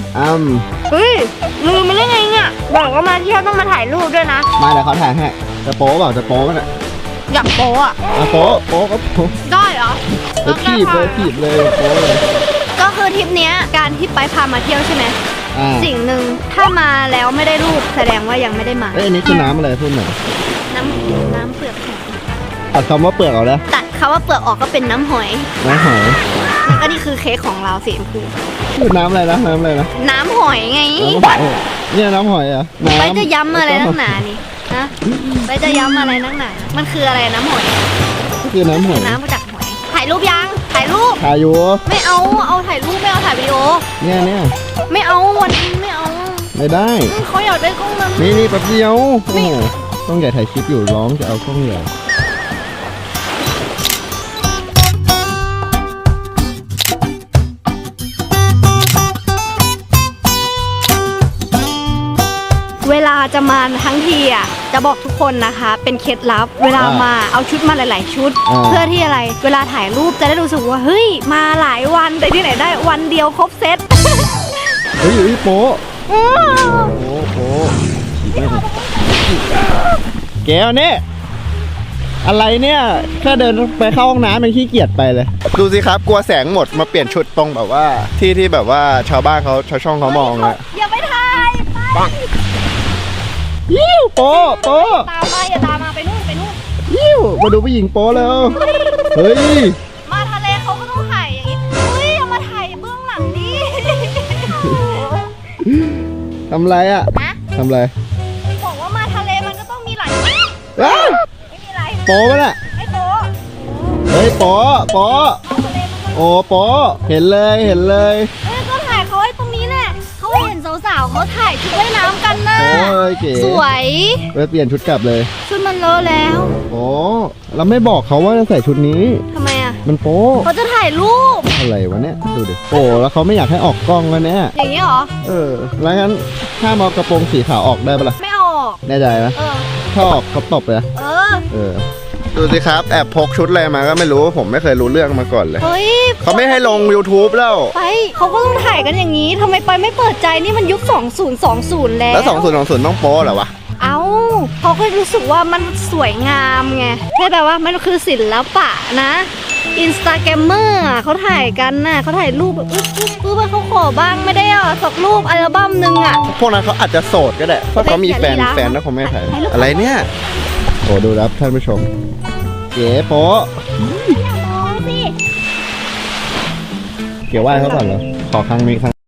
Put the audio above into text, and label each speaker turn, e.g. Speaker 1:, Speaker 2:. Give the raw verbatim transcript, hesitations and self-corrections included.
Speaker 1: อ้ำ
Speaker 2: เฮ้ยลืมไปได้ไงเนี่ยบอกว่ามาเที่ยวต้องมาถ่ายรูปด้วยนะ
Speaker 1: มาเดี๋ยวเขาถ่ายให้จะโป๊เปล่าจะโป๊กันอ่ะ
Speaker 2: อยากโป๊อะ
Speaker 1: อ่ะโป๊โป๊ก็โป๊
Speaker 2: ได้เหรอ
Speaker 1: แล้วถีบเลยถีบเลยโป๊เลย
Speaker 2: ก็คือทริปเนี้ยการที่ไปพามาเที่ยวใช่ไหมสิ่งหนึ่งถ้ามาแล้วไม่ได้รูปแสดงว่ายังไม่ได้มา
Speaker 1: เอ้ยอันนี้คือน้ำอะไรพูดหน่อย
Speaker 2: น้ำน้ำเปลือกหอย
Speaker 1: ตัดคำว่าเปลือกออกแล้ว
Speaker 2: ตัดคำว่าเปลือกออกก็เป็นน้ำหอย
Speaker 1: น้ำหอย
Speaker 2: แล้วก็นี่คือเค้กของเราสีชมพู
Speaker 1: คือน้ำอะไรนะน้ำอะไรนะ
Speaker 2: น้ำหอยไง
Speaker 1: เนี่ยน้ำหอยอ่ะ
Speaker 2: ไปจะย้ำอะไรนักหนานี่นะไปจะย้ำอะไรนักหนามันคืออะไรน้ำหอย
Speaker 1: คือน้ำหอย
Speaker 2: น้ำมาจากหอยถ่ายรูปยังถ่ายรูป
Speaker 1: ถ่ายอยู่
Speaker 2: ไม่เอาเอาถ่ายรูปไม่เอาถ่ายวิดีโอ
Speaker 1: เนี่ยเนี่ย
Speaker 2: ไม่เอาวันนี้ไม่เอา
Speaker 1: ไม่ได้
Speaker 2: เขาอยากได้กล้องนั้น
Speaker 1: นี่นี่แป๊บเดียวโอ้โหต้องใหญ่ถ่ายคลิปอยู่ร้องจะเอากล้องใหญ่
Speaker 2: เวลาจะมาทั้งทีอ่ะจะบอกทุกคนนะคะเป็นเคล็ดลับเวลามาเอาชุดมาหลายๆชุดเพื่อที่อะไรเวลาถ่ายรูปจะได้รู้สึกว่าเฮ้ยมาหลายวันแต่ที่ไหนได้วันเดียวครบเซต
Speaker 1: เฮ้ยอยู่ที่โป๊ะโป๊ะโป๊ะแก้วนี่อะไรเนี่ยแค่เดินไปเข้าห้องน้ำมันขี้เกียจไปเลยดูสิครับกลัวแสงหมดมาเปลี่ยนชุดตรงแบบว่าที่ที่แบบว่าชาวบ้านเขาชาวช่องเขามองเลย
Speaker 2: อย่าไปถ่ายไป
Speaker 1: ยิ้วโป๊ะโป๊ะ
Speaker 2: ตามมาอย่าตามมาไปนู่นไปนู่น
Speaker 1: ยิ้วมาดูผู้หญิงโป๊ะแล้วเฮ้ย
Speaker 2: มาทะเลเขาก็ต้องถ่ายอย่างนี้เฮ้ยเอามาถ่ายเบื้องหลังดิ
Speaker 1: ทำไรอ่ะทำไร
Speaker 2: บอกว่ามาทะเลมันก็ต้องมีหลายไม่มีอะไร
Speaker 1: โป๊ะมั้ยน่ะ
Speaker 2: ไอ้โป๊ะ
Speaker 1: เฮ้ยโป๊ะโป๊ะโอ้โป๊ะเห็นเลยเห็นเลย
Speaker 2: เฮ้ยก็ถ่ายเขาไว้ตรงนี้แหละเขาเห็นสาวๆเขาถ่ายชุดว่ายน้ำกันนะ
Speaker 1: โอ้ยเก๋
Speaker 2: สวย
Speaker 1: ไปเปลี่ยนชุดกลับเลย
Speaker 2: ชุดมันเลอะแล้ว
Speaker 1: โอ้เราไม่บอกเขาว่าจะใส่ชุดนี้
Speaker 2: ทำไมอ่ะ
Speaker 1: มันโป๊
Speaker 2: เขาจะถ่ายรูป
Speaker 1: อะไรวะเนี่ยดูดิโอ้แล้วเขาไม่อยากให้ออกกล้องแล้วเนี่ย
Speaker 2: อย่างนี้เหรอ
Speaker 1: เออแล้วงั้นถ้ามากระโปรงสีขาวออกได้ปะล่ะ
Speaker 2: ไม่ออก
Speaker 1: แน่ใจไหม
Speaker 2: เออ
Speaker 1: ถ้าออกเขาตบเลย
Speaker 2: เออ
Speaker 1: เออดูสิครับแอบพกชุดอะไรมาก็ไม่รู้ผมไม่เคยรู้เรื่องมาก่อนเลย
Speaker 2: เฮ้ย
Speaker 1: เขาไม่ให้ลง YouTube แล้ว
Speaker 2: ไปเขาก็ต้องถ่ายกันอย่างนี้ทำไมไปไม่เปิดใจนี่มันยุคสองพันยี่สิบแล้ว
Speaker 1: แล้วสองพันยี่สิบต้องโป๊เหรอวะ
Speaker 2: เอ้าเขาก็รู้สึกว่ามันสวยงามไงใช่แบบว่ามันคือศิลปะนะอินสตาแกรมเมอร์เขาถ่ายกันน่ะเขาถ่ายรูปแบบอุ๊บอุ๊บอุ๊บเขาขอบ้างไม่ได้อ่ะสักรูปอัลบั้มนึงอ่ะ
Speaker 1: พวกนั้นเขาอาจจะโสดก็ได้เพราะเขามีแฟนแฟนแล้วเขาไม่ถ่ายอะไรเนี่ยโอ้ดูครับท่านผู้ชมเก๋โป๊ะ
Speaker 2: อย่ามองสิ
Speaker 1: เกี่ยวไหว้เขาก่อนเหรอขอครั้งนี้ครั้ง